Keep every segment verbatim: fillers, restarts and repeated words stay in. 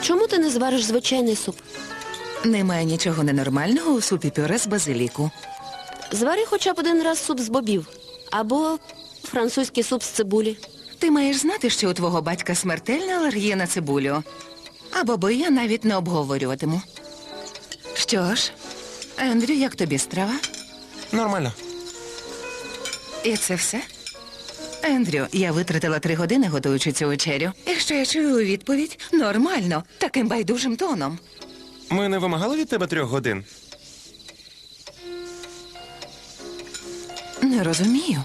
Чому ти не звариш звичайний суп? Немає нічого ненормального у супі пюре з базиліку. Звари хоча б один раз суп з бобів. Або французький суп з цибулі. Ти маєш знати, що у твого батька смертельна алергія на цибулю. А боби я навіть не обговорюватиму. Що ж, Ендрю, як тобі страва? Нормально. І це все? Ендрю, я витратила три години, готуючи цю вечерю. І що я чую у відповідь? Нормально, таким байдужим тоном. Ми не вимагали від тебе трьох годин? Не розумію.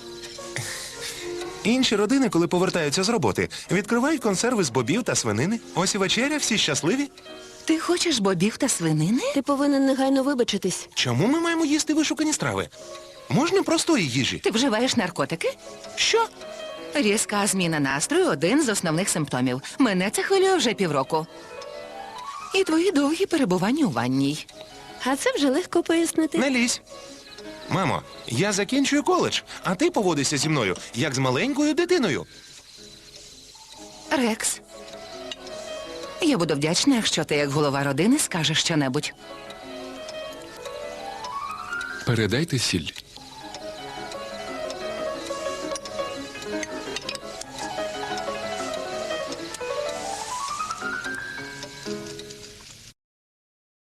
Інші родини, коли повертаються з роботи, відкривають консерви з бобів та свинини. Ось і вечеря, всі щасливі. Ти хочеш бобів та свинини? Ти повинен негайно вибачитись. Чому ми маємо їсти вишукані страви? Можна простої їжі. Ти вживаєш наркотики? Що? Різка зміна настрою – один з основних симптомів. Мене це хвилює вже півроку. І твої довгі перебування у ванній. А це вже легко пояснити. Не лізь. Мамо, я закінчую коледж, а ти поводишся зі мною, як з маленькою дитиною. Рекс, я буду вдячна, якщо ти, як голова родини, скажеш щонебудь. Передайте сіль.